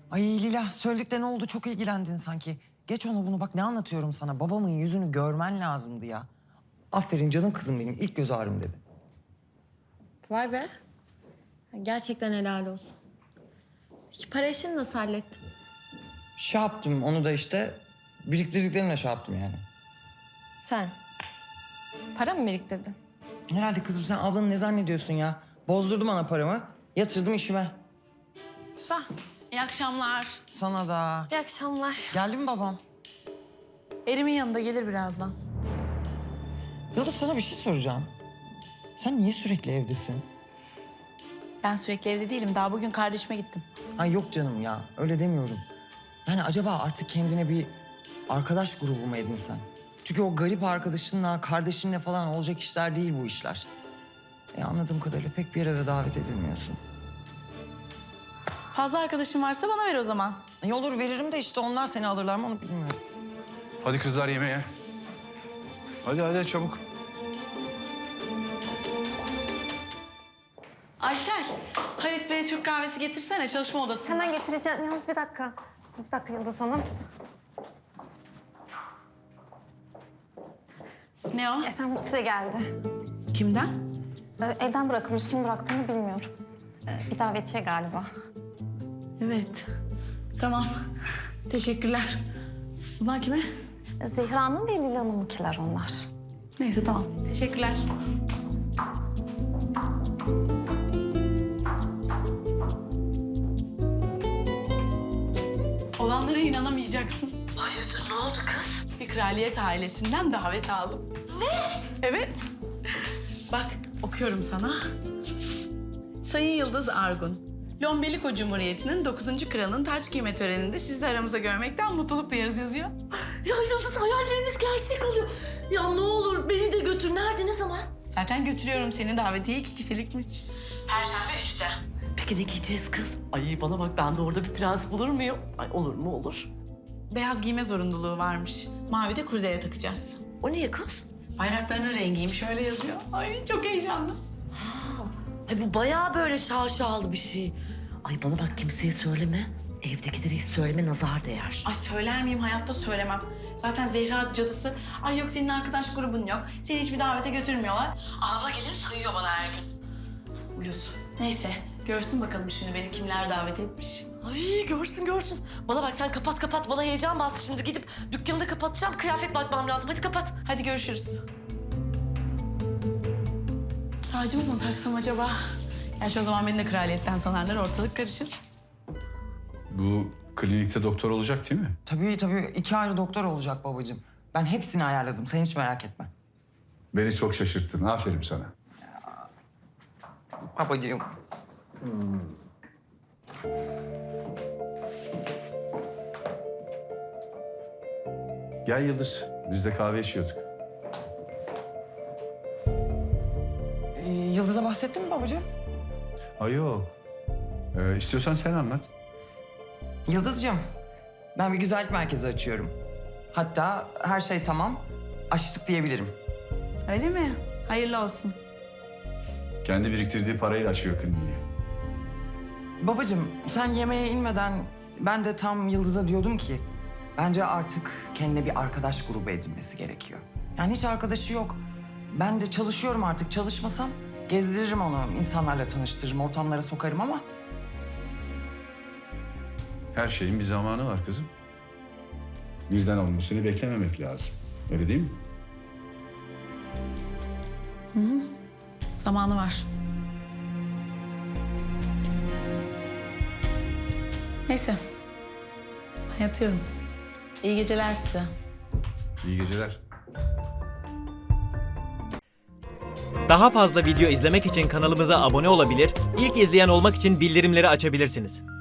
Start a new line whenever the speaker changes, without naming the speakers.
Ay Lila, söyledikten ne oldu? Çok ilgilendin sanki. Geç onu bunu, bak ne anlatıyorum sana. Babamın yüzünü görmen lazımdı ya. Aferin canım kızım benim, ilk göz ağrım dedi.
Vay be. Gerçekten helal olsun. Peki para işini nasıl hallettin?
Şey yaptım, onu da işte biriktirdiklerimle şey yaptım yani.
Sen. Para mı biriktirdin?
Herhalde kızım, sen ablanı ne zannediyorsun ya? Bozdurdum ana paramı, yatırdım işime.
Güzel.
İyi akşamlar.
Sana da.
İyi akşamlar.
Geldi mi babam?
Erimin yanında gelir birazdan.
Yıldız, sana bir şey soracağım. Sen niye sürekli evdesin?
Ben sürekli evde değilim. Daha bugün kardeşime gittim.
Ay yok canım ya, öyle demiyorum. Yani acaba artık kendine bir arkadaş grubu mu edinsen? Çünkü o garip arkadaşınla, kardeşinle falan olacak işler değil bu işler. Anladığım kadarıyla pek bir yere de davet edilmiyorsun.
Fazla arkadaşın varsa bana ver o zaman.
Olur, veririm de işte onlar seni alırlar mı onu bilmiyorum.
Hadi kızlar yemeğe. Hadi çabuk.
Aysel, Halit Bey'e Türk kahvesi getirsene çalışma odasında.
Hemen getireceğim. Yalnız bir dakika. Bir dakika Yıldız Hanım.
Ne o?
Efendim size geldi.
Kimden?
Evden bırakılmış. Kim bıraktığını bilmiyorum. Bir davetiye galiba.
Evet. Tamam. Teşekkürler. Bunlar kime?
Zehra Hanım ve Lila Hanım'ınkiler onlar.
Neyse tamam. Teşekkürler. Olanlara inanamayacaksın.
Hayırdır, ne oldu kız?
Bir kraliyet ailesinden davet aldım. Ne? Evet. Bak okuyorum sana. Sayın Yıldız Argun, Lombeliko Cumhuriyeti'nin 9. kralının taç giyme töreninde sizi de aramızda görmekten mutluluk duyarız yazıyor.
Ya Yıldız, hayallerimiz gerçek oluyor. Ya ne olur beni de götür. Nerede, ne zaman?
Zaten götürüyorum seni, davetiye 2 kişilikmiş. Perşembe 3'te.
Peki ne giyeceğiz kız? Ay bana bak, ben de orada bir prens bulur muyum? Ay olur mu olur.
Beyaz giyme zorunluluğu varmış. Mavi de kurdele takacağız.
O niye kız?
Bayraklarının rengiymiş, öyle yazıyor. Ay çok heyecanlı.
Ay bu bayağı böyle şaşalı bir şey. Ay bana bak, kimseye söyleme. Evdekilere hiç söyleme, nazar değer.
Ay söyler miyim? Hayatta söylemem. Zaten Zehra cadısı. Ay yok senin arkadaş grubun yok. Seni hiçbir davete götürmüyorlar. Ağzına geleni sayıyor bana her gün. Uyuz. Neyse görsün bakalım şimdi beni kimler davet etmiş.
Ay görsün. Bana bak sen kapat. Bana heyecan bastı şimdi. Gidip dükkanı da kapatacağım. Kıyafet bakmam lazım. Hadi kapat.
Hadi görüşürüz. Tacımı mı taksam acaba? Gerçi o zaman beni de kraliyetten sanarlar, ortalık karışır.
Bu klinikte doktor olacak değil mi?
Tabii 2 ayrı doktor olacak babacığım. Ben hepsini ayarladım, sen hiç merak etme.
Beni çok şaşırttın. Aferin sana.
Babacığım.
Gel Yıldız. Biz de kahve içiyorduk.
Yıldız'a bahsettin mi babacığım?
Ay yok. İstiyorsan sen anlat.
Yıldız'cığım, ben bir güzellik merkezi açıyorum. Hatta her şey tamam, açtık diyebilirim.
Öyle mi? Hayırlı olsun.
Kendi biriktirdiği parayla açıyor kliniği.
Babacığım, sen yemeğe inmeden ben de tam Yıldız'a diyordum ki... bence artık kendine bir arkadaş grubu edinmesi gerekiyor. Yani hiç arkadaşı yok. Ben de çalışıyorum artık. Çalışmasam gezdiririm onu, insanlarla tanıştırırım, ortamlara sokarım ama...
Her şeyin bir zamanı var kızım. Birden olmasını beklememek lazım. Öyle değil mi?
Zamanı var. Neyse. Ben yatıyorum. İyi geceler size.
İyi geceler.
Daha fazla video izlemek için kanalımıza abone olabilir, ilk izleyen olmak için bildirimleri açabilirsiniz.